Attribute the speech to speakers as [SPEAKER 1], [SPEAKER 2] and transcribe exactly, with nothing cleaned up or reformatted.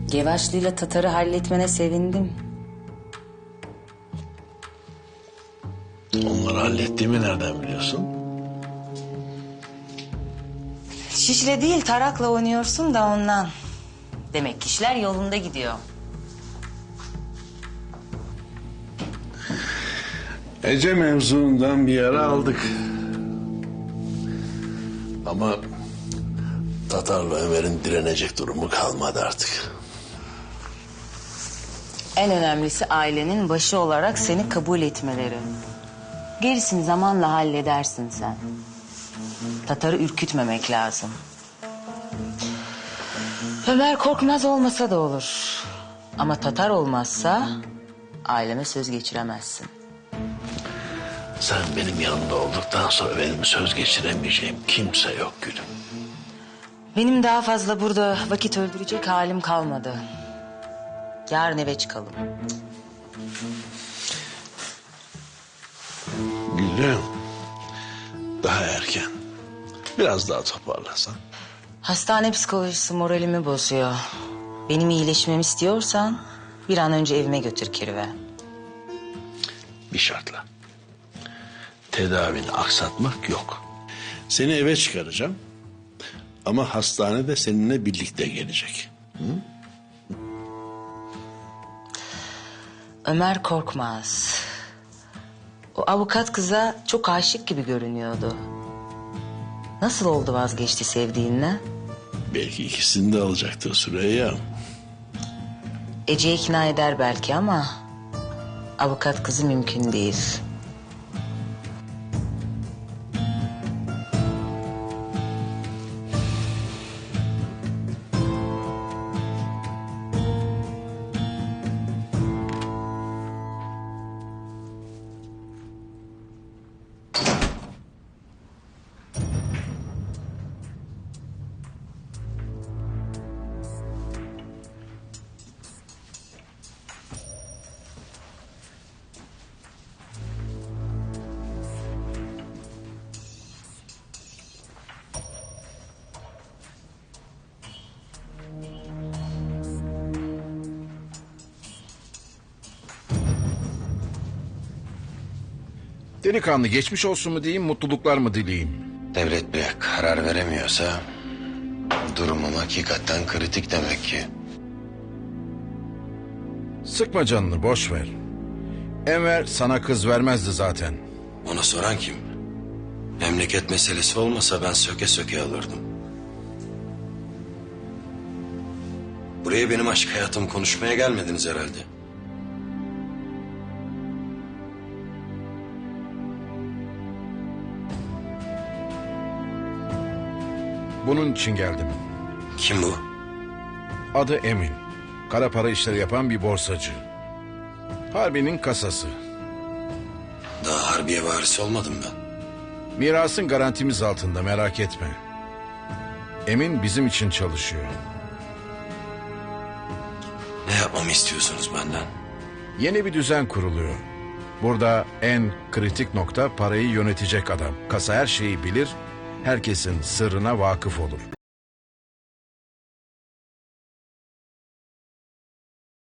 [SPEAKER 1] Gevaşlı'yla Tatar'ı halletmene sevindim.
[SPEAKER 2] Onları hallettiğimi nereden biliyorsun?
[SPEAKER 1] Şişle değil tarakla oynuyorsun da ondan. Demek ki işler yolunda gidiyor.
[SPEAKER 2] Ece mevzuundan bir yara aldık. Ama Tatar'la Ömer'in direnecek durumu kalmadı artık.
[SPEAKER 1] En önemlisi ailenin başı olarak seni kabul etmeleri. Gerisini zamanla halledersin sen. Tatar'ı ürkütmemek lazım. Ömer Korkmaz olmasa da olur. Ama Tatar olmazsa aileme söz geçiremezsin.
[SPEAKER 2] Sen benim yanımda olduktan sonra benim söz geçiremeyeceğim kimse yok gülüm.
[SPEAKER 1] Benim daha fazla burada vakit öldürecek halim kalmadı. Yarın eve çıkalım.
[SPEAKER 2] Gülüm, daha erken. Biraz daha toparlasan.
[SPEAKER 1] Hastane psikolojisi moralimi bozuyor. Benim iyileşmemi istiyorsan bir an önce evime götür Kirve.
[SPEAKER 2] Bir şartla. Tedavini aksatmak yok. Seni eve çıkaracağım. Ama hastanede seninle birlikte gelecek. Hı?
[SPEAKER 1] Ömer Korkmaz. O avukat kıza çok aşık gibi görünüyordu. Nasıl oldu vazgeçti sevdiğinden?
[SPEAKER 2] Belki ikisini de alacaktır Süreyya.
[SPEAKER 1] Ece'yi ikna eder belki ama avukat kızı mümkün değil.
[SPEAKER 3] Delikanlı geçmiş olsun mu diyeyim, mutluluklar mı dileyeyim?
[SPEAKER 4] Devlet Bey karar veremiyorsa durumum hakikaten kritik demek ki.
[SPEAKER 3] Sıkma canını, boş ver. Enver sana kız vermezdi zaten.
[SPEAKER 4] Ona soran kim? Memleket meselesi olmasa ben söke söke alırdım. Buraya benim aşk hayatımı konuşmaya gelmediniz herhalde.
[SPEAKER 3] Bunun için geldim.
[SPEAKER 4] Kim bu?
[SPEAKER 3] Adı Emin. Kara para işleri yapan bir borsacı. Harbi'nin kasası.
[SPEAKER 4] Daha harbiye varisi olmadım ben.
[SPEAKER 3] Mirasın garantimiz altında, merak etme. Emin bizim için çalışıyor.
[SPEAKER 4] Ne yapmamı istiyorsunuz benden?
[SPEAKER 3] Yeni bir düzen kuruluyor. Burada en kritik nokta parayı yönetecek adam. Kasa her şeyi bilir, herkesin sırrına vakıf olur.